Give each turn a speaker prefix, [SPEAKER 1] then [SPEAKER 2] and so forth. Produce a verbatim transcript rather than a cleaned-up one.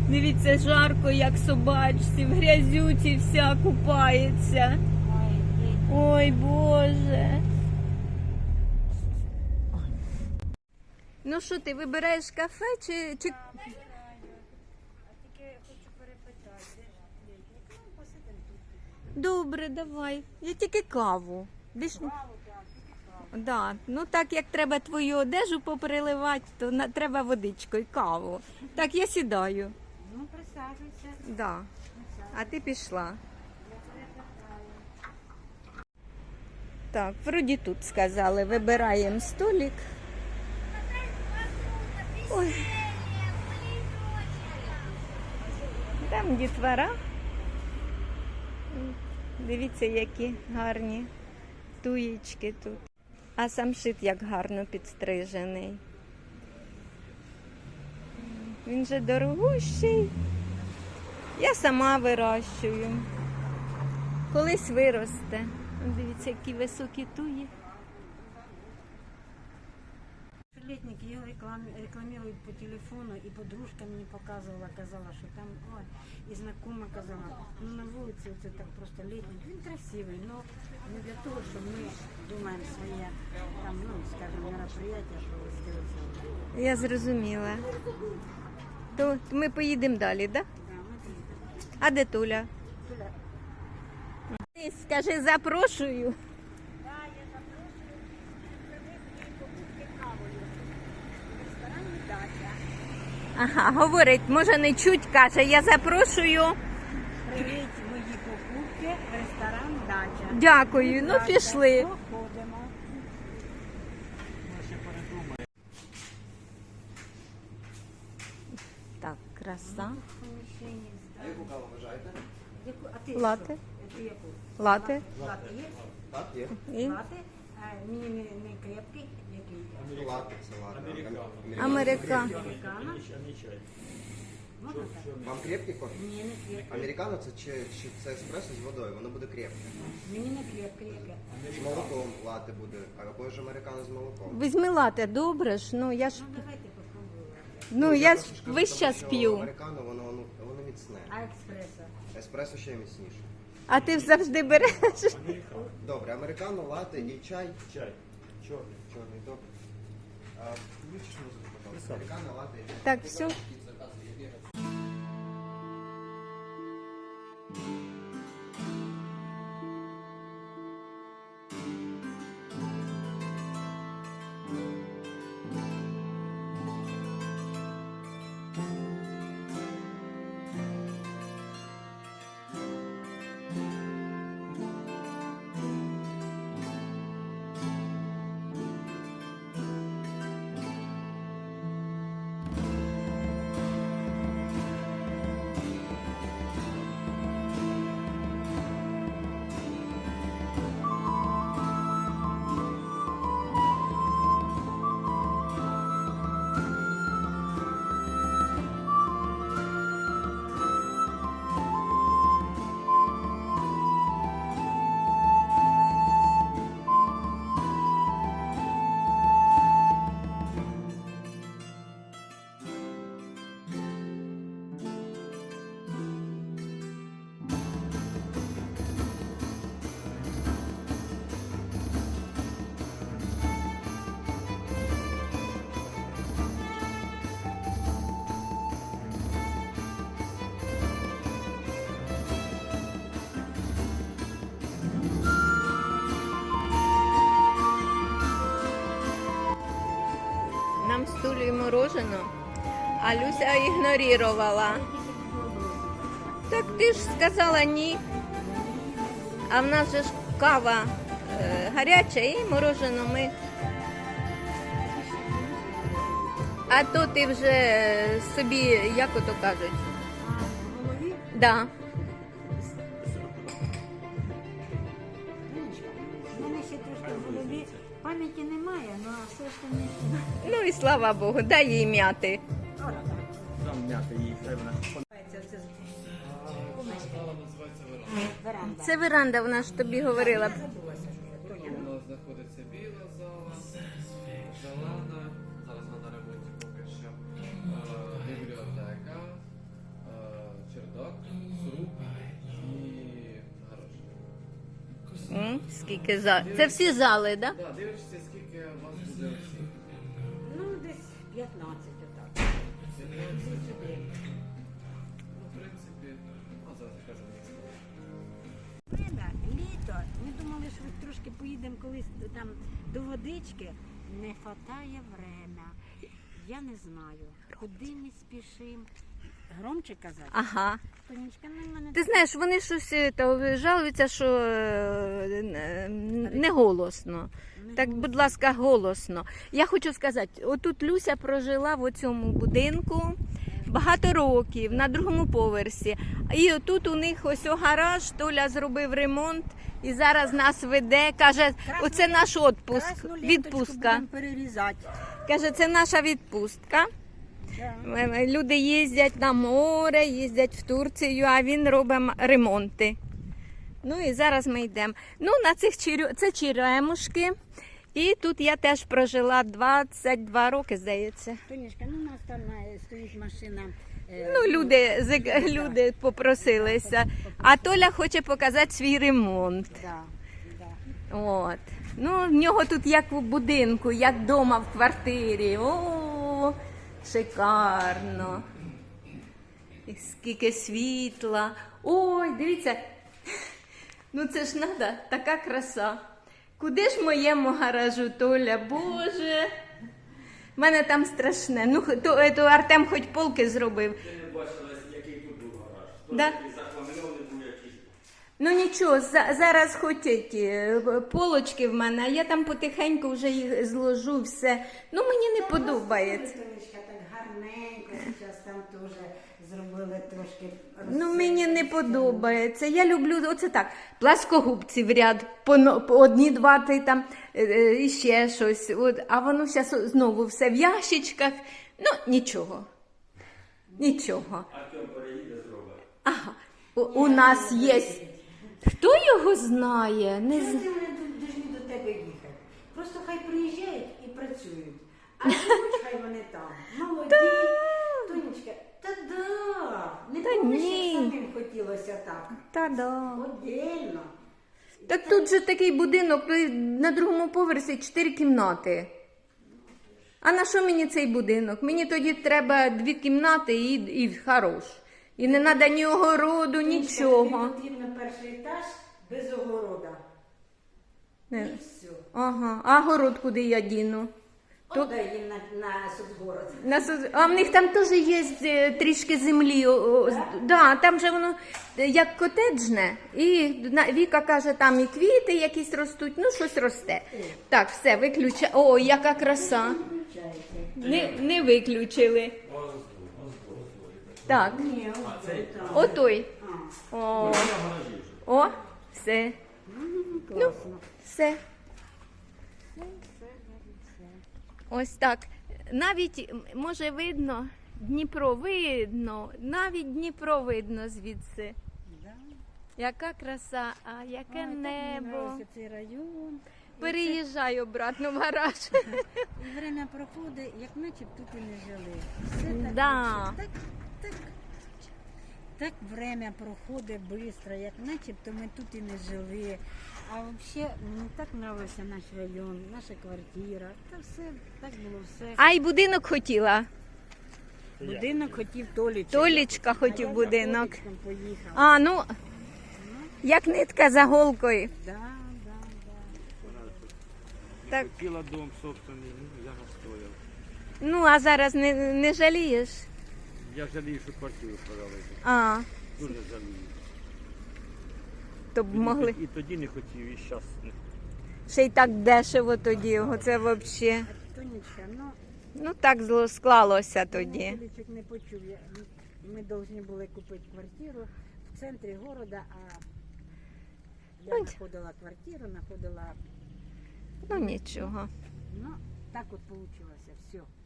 [SPEAKER 1] Дивіться, жарко, як собачці, в грязюці вся купається. Ой, Боже. Ну що, ти вибираєш кафе чи... чи... Добре, давай. Я тільки каву. Більш... Да. Ну так як треба твою одежу попереливати, то на... треба водичку і каву. Так, я сідаю.
[SPEAKER 2] Ну, присаджуйся.
[SPEAKER 1] Да. А ти пішла. Так, вроді тут сказали, вибираємо столик. Ой. Там дітвора. Дивіться, які гарні туєчки тут. А самшит як гарно підстрижений. Він же дорогущий. Я сама вирощую. Колись виросте. Дивіться, які високі туї.
[SPEAKER 2] Летники його рекламують по телефону, і подружка мені показувала, казала, що там, ой, і знакома казала, ну на вулиці це так просто літник. Він красивий, але не для того, що ми думаємо своє, там, ну, скажімо, мероприятия провести.
[SPEAKER 1] Я зрозуміла. То ми поїдемо далі, так? Да?
[SPEAKER 2] Да, ми поїдемо.
[SPEAKER 1] А де Туля?
[SPEAKER 2] Туля.
[SPEAKER 1] Ти скажи, запрошую. Ага, говорить, може не чуть, каже, я запрошую.
[SPEAKER 2] Привіт, мої покупки, ресторан «Дача».
[SPEAKER 1] Дякую, ну пішли.
[SPEAKER 2] Походимо.
[SPEAKER 1] Так, краса.
[SPEAKER 3] Яку каву вважаєте?
[SPEAKER 2] Яку- А ти
[SPEAKER 1] Лате.
[SPEAKER 2] що? Ти яку?
[SPEAKER 1] Лате.
[SPEAKER 2] Лати є?
[SPEAKER 3] Так, є.
[SPEAKER 1] І
[SPEAKER 2] Лати? А мені не, не крепкий, який?
[SPEAKER 3] Лати, це лати.
[SPEAKER 1] Америка.
[SPEAKER 2] Американо. Можна так?
[SPEAKER 3] Вам крепкий кофе?
[SPEAKER 2] Ні, не крепкий.
[SPEAKER 3] Американо це, чи, чи це еспресо з водою, воно буде крепке.
[SPEAKER 2] Мені не крепкий, яке.
[SPEAKER 3] З молоком лати буде, або ж американо з молоком.
[SPEAKER 1] Візьми лате, добре ж, ну я ж,
[SPEAKER 2] Ну давайте попробуємо.
[SPEAKER 1] ну я ж
[SPEAKER 3] просто скажу,
[SPEAKER 1] весь
[SPEAKER 3] тому
[SPEAKER 1] час
[SPEAKER 3] що
[SPEAKER 1] п'ю.
[SPEAKER 3] Американо, воно, воно, воно міцне.
[SPEAKER 2] А експресо?
[SPEAKER 3] Еспресо ще міцніше.
[SPEAKER 1] А ти завжди береш.
[SPEAKER 3] Добре, американо, лати і чай. Чай. Чорний. Чорний, добре. А, включиш музику, пожалуйста. Американо, лати і чай.
[SPEAKER 1] Так, все. Нам з Тулею морожено, а Люся ігнорувала. Так ти ж сказала ні. А в нас же ж кава е, гаряча і морожено ми. А то ти вже собі, як ото кажуть?
[SPEAKER 2] А, в голові?
[SPEAKER 1] Да.
[SPEAKER 2] У мене ще трошки в голові пам'яті немає, ну а все ж там не...
[SPEAKER 1] Ну і слава Богу, дай їй м'яти.
[SPEAKER 2] От так.
[SPEAKER 4] Там м'ята її треба.
[SPEAKER 2] Це все веранда.
[SPEAKER 1] Це веранда, вона ж тобі говорила.
[SPEAKER 2] Забулася, що я.
[SPEAKER 4] У нас знаходиться біла зала, зелена, зараз вона на ремонті поки що, е, бібліотека,
[SPEAKER 1] Скільки зал? Це всі зали, так? Да?
[SPEAKER 4] Да, дивишся, скільки у вас буде всіх.
[SPEAKER 2] Ну, десь п'ятнадцять отак. Всі сюди.
[SPEAKER 4] Ну, в принципі, а зараз кажу місто.
[SPEAKER 2] Время, літо. Ми думали, що трошки поїдемо колись там до водички. Не хватає время. Я не знаю, куди ми спішимо. Громче казати?
[SPEAKER 1] Ага.
[SPEAKER 2] Тонечка, ну, в мене
[SPEAKER 1] Ти знаєш, вони щось е, то, жалуються, що е, е, не голосно.
[SPEAKER 2] не
[SPEAKER 1] Так, будь ласка, голосно. Я хочу сказати, отут Люся прожила в цьому будинку багато років, на другому поверсі. І отут у них ось о гараж, Толя зробив ремонт і зараз нас веде, каже, оце наш відпуск,
[SPEAKER 2] красну ленточку
[SPEAKER 1] відпустка.
[SPEAKER 2] будемо перерізати.
[SPEAKER 1] Каже, це наша відпустка.
[SPEAKER 2] Да.
[SPEAKER 1] Люди їздять на море, їздять в Турцію, а він робить м- ремонти. Ну і зараз ми йдемо. Ну, на цих черю... це черемушки. І тут я теж прожила двадцять два роки, здається.
[SPEAKER 2] Тонечка, ну у нас там е, стоїть машина. е,
[SPEAKER 1] Ну, люди, зик- люди попросилися. А Толя хоче показати свій ремонт.
[SPEAKER 2] Да, да.
[SPEAKER 1] От. Ну, в нього тут як в будинку, як вдома в квартирі. О, шикарно. І скільки світла. Ой, дивіться. Ну це ж треба, така краса. Куди ж моєму гаражу, Толя, Боже. В мене там страшне. Ну, то, то Артем хоч полки зробив.
[SPEAKER 4] Ти не бачила, який тут був гараж.
[SPEAKER 1] Да?
[SPEAKER 4] Такий захламлений був якийсь.
[SPEAKER 1] Ну нічого, за- зараз хоч ті полочки в мене, а я там потихеньку вже їх зложу все. Ну мені не подобається.
[SPEAKER 2] Тонечка, так гарненько, зараз там теж зробили трошки.
[SPEAKER 1] Ну мені не подобається. Я люблю оце так, пласкогубці в ряд, по, но- по одні, два, три там е, е, і ще щось. От, а воно зараз знову все в ящичках. Ну нічого. Нічого.
[SPEAKER 4] Артем переїде зробить.
[SPEAKER 1] Ага. У, у нас є. Хто його знає? Не
[SPEAKER 2] Чого
[SPEAKER 1] з...
[SPEAKER 2] ти вони тут повинні до тебе їхати? Просто хай приїжджають і працюють. А живуть хай вони там. Молоді. Тонечка, та да. Не
[SPEAKER 1] Та
[SPEAKER 2] помниш,
[SPEAKER 1] ні.
[SPEAKER 2] як самим хотілося так.
[SPEAKER 1] Та да.
[SPEAKER 2] Отдельно.
[SPEAKER 1] Так тут же такий будинок, ну, і на другому поверсі чотири кімнати. А на що мені цей будинок? Мені тоді треба дві кімнати і, і хорош. І не треба ні огороду,
[SPEAKER 2] Тонечка,
[SPEAKER 1] нічого.
[SPEAKER 2] тобі потрібно перший етаж без огорода.
[SPEAKER 1] Не.
[SPEAKER 2] І все.
[SPEAKER 1] Ага. А город куди я діну? То-
[SPEAKER 2] Отдай їм на, на соцгород.
[SPEAKER 1] На соц- А в них там теж є е, трішки землі. о, о, з- Да, там же воно е, як котеджне. І на- Віка каже, там і квіти якісь ростуть, ну щось росте. Так, все, виключай. О, яка краса. Не, не виключили. Так,
[SPEAKER 2] Ні, оцей.
[SPEAKER 1] отой. О, о, все.
[SPEAKER 2] Класно.
[SPEAKER 1] Все. Ось так. Навіть, м, може, видно, Дніпро видно, навіть Дніпро видно звідси.
[SPEAKER 2] Да.
[SPEAKER 1] Яка краса, а яке
[SPEAKER 2] Ой, так мені
[SPEAKER 1] небо.
[SPEAKER 2] нравиться цей район.
[SPEAKER 1] Переїжджаю обратно в гараж.
[SPEAKER 2] І время проходить, як наче б тут і не жили. Все так,
[SPEAKER 1] Да.
[SPEAKER 2] вообще, так, так, так время проходить швидко, як наче б то ми тут і не жили. А взагалі мені так подобався наш район, наша квартира. Та все, так було все.
[SPEAKER 1] А й будинок хотіла.
[SPEAKER 2] Будинок хотів Толічок.
[SPEAKER 1] Толічка
[SPEAKER 2] А
[SPEAKER 1] хотів
[SPEAKER 2] я
[SPEAKER 1] будинок.
[SPEAKER 2] за Толічком поїхала.
[SPEAKER 1] А, ну, як нитка за голкою.
[SPEAKER 2] Да, да, да.
[SPEAKER 1] Так.
[SPEAKER 4] Хотіла дом собственний, ну я настояв.
[SPEAKER 1] Ну, а зараз не, не жалієш?
[SPEAKER 4] Я жалію, що квартиру продали.
[SPEAKER 1] А,
[SPEAKER 4] Дуже жалію.
[SPEAKER 1] то б могли.
[SPEAKER 4] І тоді не хотів, і зараз не.
[SPEAKER 1] Ще й так дешево тоді, оце взагалі.
[SPEAKER 2] Тонечка, ну,
[SPEAKER 1] Ну так зло склалося тоді.
[SPEAKER 2] Толічок не почув. Я- Ми повинні були купити квартиру в центрі міста, а я
[SPEAKER 1] Ну,
[SPEAKER 2] знаходила квартиру, знаходила,
[SPEAKER 1] Ну нічого.
[SPEAKER 2] ну, так от вийшло, все.